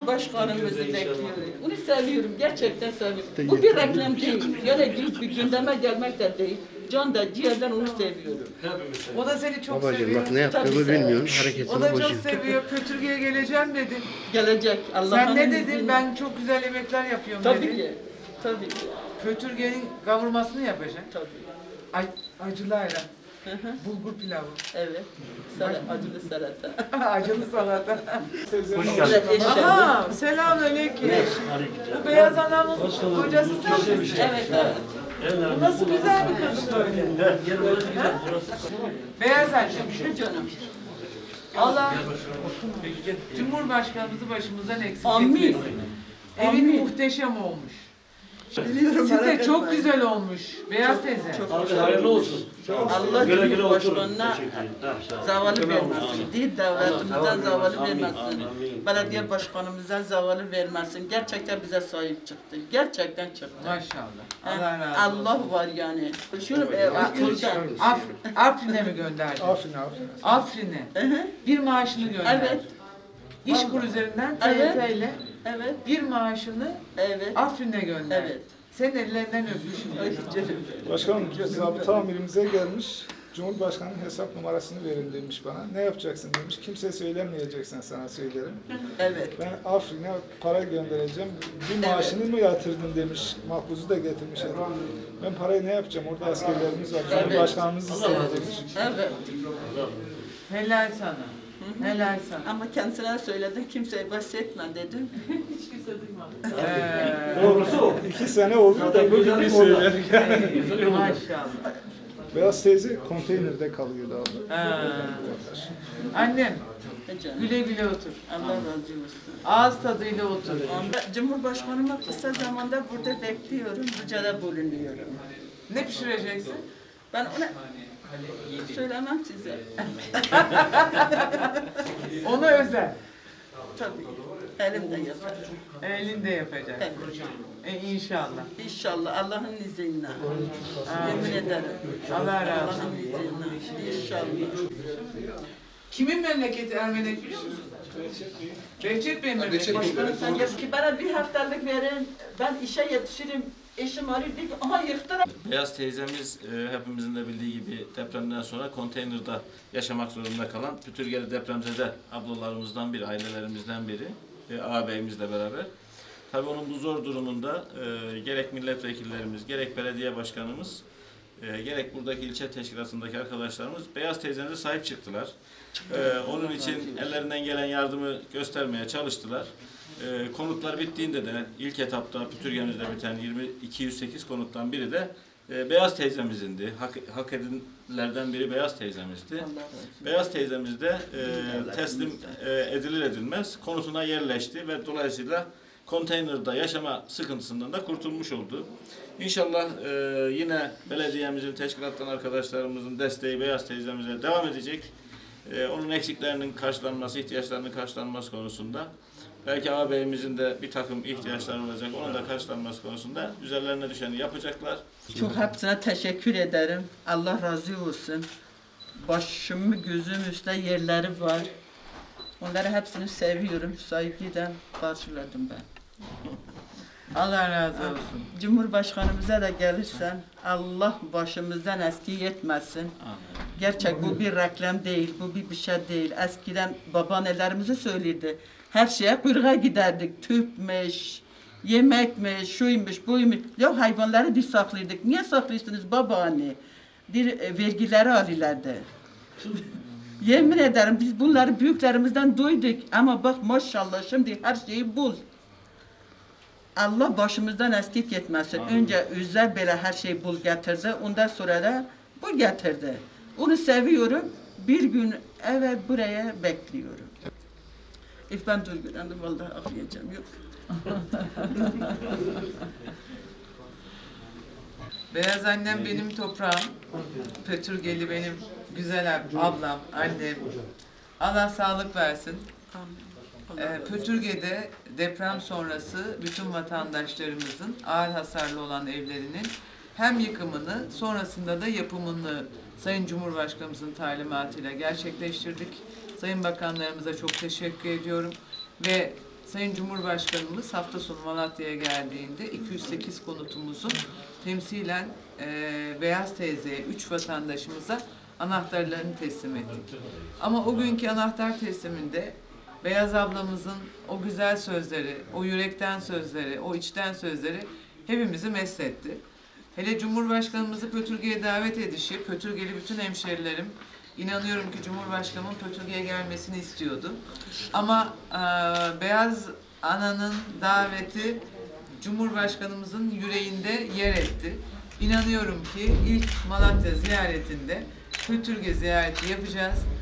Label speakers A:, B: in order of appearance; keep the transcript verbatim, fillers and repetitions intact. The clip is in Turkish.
A: Başkanımızı bekliyorum. Onu seviyorum, gerçekten seviyorum. Bu bir reklam değil. Yani bir gündeme gelmek de değil. Can da ciğerden onu seviyorum.
B: O da seni çok
C: Babacığım
B: seviyor.
C: bak ne yaptığımı bilmiyorum. Hareketimi
B: O da
C: bozuyor.
B: çok seviyor. Pötürge'ye geleceğim dedi.
A: Gelecek. Allah'ın
B: Sen ne dedin?
A: izniyle.
B: Ben çok güzel yemekler yapıyorum
A: Tabii
B: dedin.
A: ki. Tabii ki.
B: Pötürge'nin kavurmasını yapacaksın.
A: Tabii.
B: Ay, acılı ayran.
A: Hı hı.
B: Bulgur pilavı.
A: Evet. Salata, acılı salata.
B: Acılı salata.
C: Hoş geldin.
B: Aha, selamünaleyküm. Bu beyaz anamın kocası sen misin?
A: Evet, evet.
B: Bu nasıl güzel bir kız böyle. Ha? Beyaz annem.
A: Şu canım.
B: Allah Cumhurbaşkanımızı başımızdan eksik
A: Amin.
B: etmesin. Evin
A: Amin.
B: muhteşem olmuş.
A: Biliyorum.
B: Site çok güzel olmuş. Beyaz teyze.
D: Abi hayırlı olsun.
A: Allah
D: Güle güle oturun.
A: Cumhurbaşkanına
D: Teşekkür ederim.
A: zavallı vermesin. Değil devletimizden zavallı vermesin. Belediye başkanımıza zavallı vermesin. Gerçekten bize sahip çıktı. Gerçekten çıktı.
B: Maşallah.
A: Ha,
B: Allah razı olsun.
A: Allah var yani. Şunu e, okulda.
B: Af, Afrin'e mi gönderdi?
E: Afrin, Afrin.
B: Afrin'e.
A: Hı hı.
B: Bir maaşını gönderdi.
A: Evet.
B: İşkur üzerinden
A: Evet.
B: T Y T ile
A: Evet.
B: bir maaşını
A: Evet.
B: Afrin'e gönderdi.
A: Evet.
B: Senin ellerinden öpmüşüm.
A: Ay canım.
E: Başkanım, zabıta amirimize gelmiş. Cumhurbaşkanının hesap numarasını verin demiş bana. Ne yapacaksın demiş. Kimseye söylemeyeceksin, sana söylerim.
A: Evet.
E: Ben Afrin'e para göndereceğim. Bir maaşını mı yatırdın demiş. Makbuzu da getirmiş. Ben parayı ne yapacağım? Orada askerlerimiz var.
A: Evet.
E: Cumhurbaşkanımız istedi demiş.
A: Evet.
B: Helal sana. Helal sana.
A: Ama kendisine söyledim. Kimseye bahsetme dedim.
B: Ee,
D: Doğrusu o.
E: İki sene oldu da bugün bir söyledik.
B: maşallah.
E: Beyaz teyze konteynerde kalıyordu abi.
B: Ha. Annem
A: E canım.
B: güle güle otur.
A: Allah razı olsun.
B: Ağız tadıyla otur.
A: Ben Cumhurbaşkanıma kısa zamanda burada bekliyorum. Ricada bulunuyorum.
B: Ne pişireceksin?
A: Ben ona söylemem size.
B: Ona özel.
A: Tabii. Elimde yaparım.
B: Elinde yapacak.
A: Tabii.
B: E, inşallah.
A: İnşallah Allah'ın izniyle. Yemin ederim.
B: Allah razı olsun.
A: Allah'ın izniyle. İnşallah.
B: Kimin memleketi Ermenek biliyor musun? Behçet Bey'in memleketi.
A: Başkanım sen gel ki bana bir haftalık verin. Ben işe yetişirim. Eşim arıyor. Diyor ki, aha yıktılar.
D: Beyaz teyzemiz e, hepimizin de bildiği gibi depremden sonra konteynerde yaşamak zorunda kalan Pütürgeli depremzede ablalarımızdan biri, ailelerimizden biri, e, ağabeyimizle beraber. Tabii onun bu zor durumunda e, gerek milletvekillerimiz, gerek belediye başkanımız, e, gerek buradaki ilçe teşkilatındaki arkadaşlarımız Beyaz teyzemize sahip çıktılar. E, onun için ellerinden gelen yardımı göstermeye çalıştılar. E, konutlar bittiğinde de ilk etapta Pütürgemizde biten yirmi iki yüz sekiz konuttan biri de e, Beyaz teyzemizindi. Hak, hak edilenlerden biri Beyaz teyzemizdi. Beyaz teyzemiz de e, teslim e, edilir edilmez konutuna yerleşti ve dolayısıyla konteynerde yaşama sıkıntısından da kurtulmuş oldu. İnşallah e, yine belediyemizin, teşkilattan arkadaşlarımızın desteği Beyaz teyzemize devam edecek. E, onun eksiklerinin karşılanması, ihtiyaçlarının karşılanması konusunda belki ağabeyimizin de bir takım ihtiyaçları olacak. Onun da karşılanması konusunda üzerlerine düşeni yapacaklar.
A: Çok hepsine teşekkür ederim. Allah razı olsun. Başımı gözüm üstte yerleri var. Onları hepsini seviyorum. Saygıyla karşıladım ben.
B: Allah razı olsun.
A: Cumhurbaşkanımıza da gelirsen Allah başımızdan eski etmesin. Gerçek bu bir reklam değil, bu bir bir şey değil. Eskiden babaannelerimizi söyledi. Her şeye kuyruğa giderdik. Tüpmüş, yemekmiş, şuymuş, buymuş. Ya hayvanları biz saklıyorduk. Niye saklıyorsunuz babaanne? Bir e, vergileri alırlardı. Yemin ederim biz bunları büyüklerimizden duyduk. Ama bak maşallah şimdi her şeyi bul. Allah başımızdan eskik etmesin. Önce Üzer böyle her şeyi bul getirdi. Ondan sonra da bu getirdi. Onu seviyorum. Bir gün evet buraya bekliyorum. İf ben duygulandım vallahi ağlayacağım yok.
B: Beyaz annem benim toprağım. Pötürgeli benim güzel ab- ablam, annem. Allah sağlık versin. Ee, Pötürge'de deprem sonrası bütün vatandaşlarımızın ağır hasarlı olan evlerinin hem yıkımını sonrasında da yapımını Sayın Cumhurbaşkanımızın talimatıyla gerçekleştirdik. Sayın bakanlarımıza çok teşekkür ediyorum ve Sayın Cumhurbaşkanımız hafta sonu Malatya'ya geldiğinde iki yüz sekiz konutumuzun temsilen e, Beyaz teyzeye, üç vatandaşımıza anahtarlarını teslim ettik. Ama o günkü anahtar tesliminde Beyaz ablamızın o güzel sözleri, o yürekten sözleri, o içten sözleri hepimizi mesletti. Hele Cumhurbaşkanımızı Pötürge'ye davet edişi, Pötürgeli bütün hemşerilerim, inanıyorum ki Cumhurbaşkanımın Pötürge'ye gelmesini istiyordu. Ama e, Beyaz Ana'nın daveti Cumhurbaşkanımızın yüreğinde yer etti. İnanıyorum ki ilk Malatya ziyaretinde Pötürge ziyareti yapacağız.